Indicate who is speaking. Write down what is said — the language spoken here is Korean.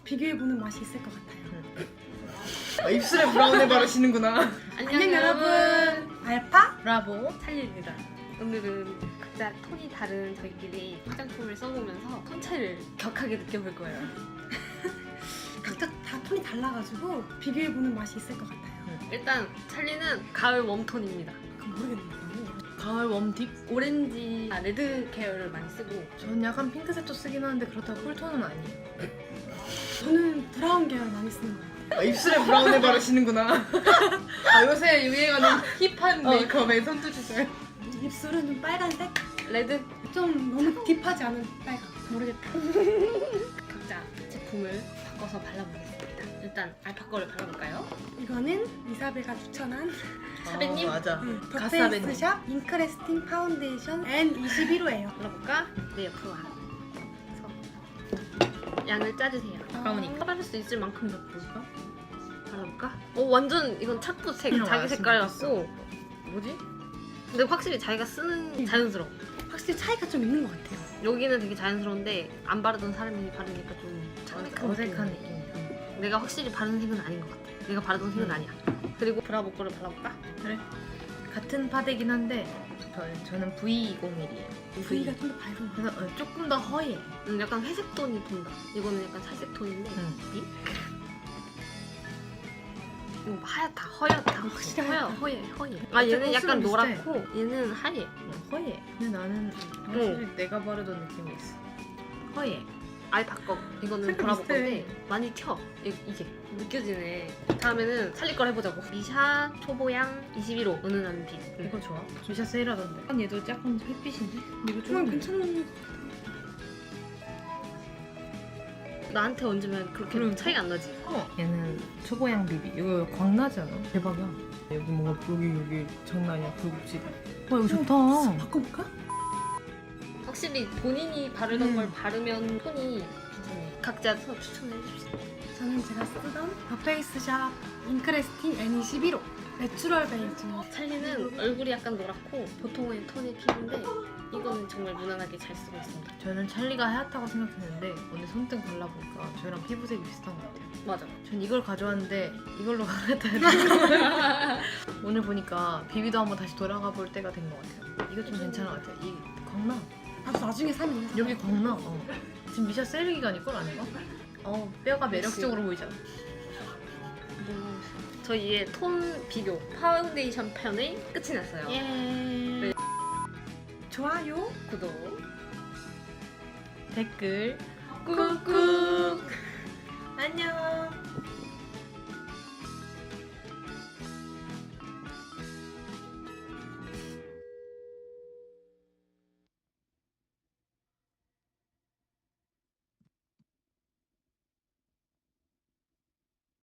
Speaker 1: 비교해보는 맛이 있을 것 같아요.
Speaker 2: 입술에 브라운을 바르시는구나.
Speaker 1: 안녕 여러분, 알파
Speaker 3: 브라보 찰리입니다. 오늘은 각자 톤이 다른 저희끼리 화장품을 써보면서 톤 차이를 격하게 느껴볼 거예요.
Speaker 1: 각자 다 톤이 달라가지고 비교해보는 맛이 있을 것 같아요.
Speaker 3: 일단 찰리는 가을 웜톤입니다.
Speaker 1: 그건 모르겠네요.
Speaker 3: 가을 웜딥? 오렌지, 레드 계열을 많이 쓰고
Speaker 2: 전 약간 핑크색도 쓰긴 하는데 그렇다고 쿨톤은 아니에요.
Speaker 1: 저는 브라운 계열 많이 쓰는 것 같아요.
Speaker 2: 입술에 브라운을 바르시는구나. 요새 유행하는 힙한 메이크업에 손도 주세요.
Speaker 1: 입술은 좀 빨간색?
Speaker 3: 레드?
Speaker 1: 좀 너무 딥하지 않은 빨간.
Speaker 3: 모르겠다. 각자 제품을 바꿔서 발라보겠습니다. 일단 알파 거를 발라볼까요?
Speaker 1: 이거는 이사벨가 추천한
Speaker 3: 사배님?
Speaker 2: 맞아.
Speaker 1: 더 페이스샵 잉크레스팅 파운데이션 N21호예요.
Speaker 3: 발라볼까? 내 옆으로 와. 그래서 양을 짜주세요.
Speaker 2: 가까우니까.
Speaker 3: 바를 수 있을 만큼 넣어볼까? 발라볼까? 오 완전 이건 착붙색
Speaker 2: 이런
Speaker 3: 자기
Speaker 2: 거
Speaker 3: 색깔
Speaker 2: 알았으면
Speaker 3: 같고 뭐지? 근데 확실히 자기가 쓰는 자연스러워.
Speaker 1: 확실히 차이가 좀 있는 것 같아요.
Speaker 3: 여기는 되게 자연스러운데 안 바르던 사람이 바르니까 좀
Speaker 2: 어색한 느낌이야.
Speaker 3: 내가 확실히 바르는 색은 아닌 것 같아. 내가 바르던 색은 아니야. 그리고 브라보 거를 발라볼까?
Speaker 2: 그래. 같은 파데긴 한데 저는 V20mm예요.
Speaker 1: V가 좀 더 밝은 것 같아요.
Speaker 2: 그래서 조금 더 허예.
Speaker 3: 약간 회색 톤이 돈다. 이거는 약간 살색 톤인데 이? 이거 하얗다, 허옇다.
Speaker 1: 확실히
Speaker 3: 허예. 아 얘는 약간
Speaker 2: 비슷해.
Speaker 3: 노랗고 얘는 하얘.
Speaker 2: 허예. 근데 나는 확실히 내가 바르던 느낌이 있어. 허예.
Speaker 3: 알파 거. 이거는
Speaker 1: 색깔
Speaker 3: 브라보
Speaker 1: 비슷해.
Speaker 3: 건데 많이 튀어. 이게 느껴지네. 다음에는 살릴 걸 해보자고. 미샤 초보양 21호 은은한 빛.
Speaker 2: 이거 좋아. 미샤 세일하던데. 얘도 약간 햇빛인데? 이거
Speaker 1: 정말
Speaker 2: 좀
Speaker 1: 괜찮은
Speaker 3: 나한테 얹으면 그렇게
Speaker 2: 그러니까.
Speaker 3: 차이가 안 나지.
Speaker 2: 얘는 초보양 비비. 이거 광나지 않아? 대박이야. 여기 뭔가 여기 장난이야. 굴곡지다. 와 이거 좋다.
Speaker 1: 바꿔볼까?
Speaker 3: 확실히 본인이 바르던 걸 바르면 톤이 괜찮네. 각자 추천해 줍시다.
Speaker 1: 저는 제가 쓰던 더 페이스샵 잉크레스팅 N21호 내추럴 베이지.
Speaker 3: 찰리는 얼굴이 약간 노랗고 보통의 톤의 피부인데 이거는 정말 무난하게 잘 쓰고 있습니다.
Speaker 2: 저는 찰리가 하얗다고 생각했는데 오늘 손등 발라보니까 저랑 피부색이 비슷한 것 같아요.
Speaker 3: 맞아.
Speaker 2: 전 이걸 가져왔는데 이걸로 갈아타야 되는 오늘 보니까 비비도 한번 다시 돌아가 볼 때가 된 것 같아요. 이거 좀 괜찮은 것 같아요. 이 광나.
Speaker 1: 나도 나중에 사면
Speaker 2: 여기 광나. 지금 미샤 세일 기간일걸 아닌가? 뼈가 매력적으로 보이잖아.
Speaker 3: 저희의 톤 비교 파운데이션 편이 끝이 났어요.
Speaker 2: 예.
Speaker 1: 좋아요.
Speaker 3: 구독.
Speaker 2: 댓글 꾹꾹. 안녕.